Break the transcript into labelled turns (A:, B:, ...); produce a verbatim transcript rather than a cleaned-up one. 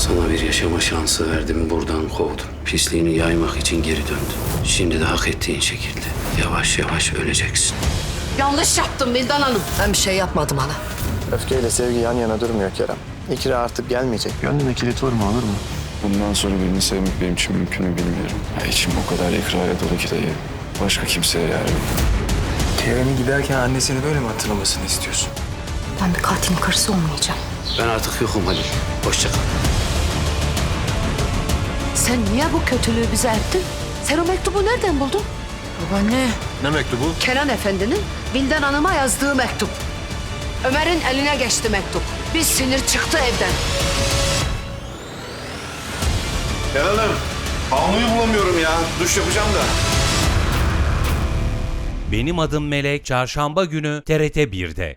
A: Sana bir yaşama şansı verdim, buradan kovdum. Pisliğini yaymak için geri döndün. Şimdi de hak ettiğin şekilde yavaş yavaş öleceksin.
B: Yanlış yaptım Vildan Hanım. Ben bir şey yapmadım ana.
C: Öfkeyle sevgi yan yana durmuyor Kerem. İkra artık gelmeyecek. Gönlüne kilit vurma, olur mu?
D: Bundan sonra birini sevmek benim için mümkün mü bilmiyorum. Ya içim o kadar ikrara dolu ki dayı. Başka kimseye yer yok.
E: Kerem'in giderken annesini böyle mi hatırlamasını istiyorsun?
F: Ben bir katilin karısı olmayacağım.
A: Ben artık yokum Halil. Hoşça kal.
B: Sen niye bu kötülüğü bize ettin? Sen o mektubu nereden buldun?
F: Babaanne.
G: Ne mektubu?
B: Kenan Efendi'nin Vildan Hanım'a yazdığı mektup. Ömer'in eline geçti mektup. Bir sinir çıktı evden.
G: Hanım, havluyu bulamıyorum ya. Duş yapacağım da.
H: Benim Adım Melek Çarşamba günü T R T bir'de.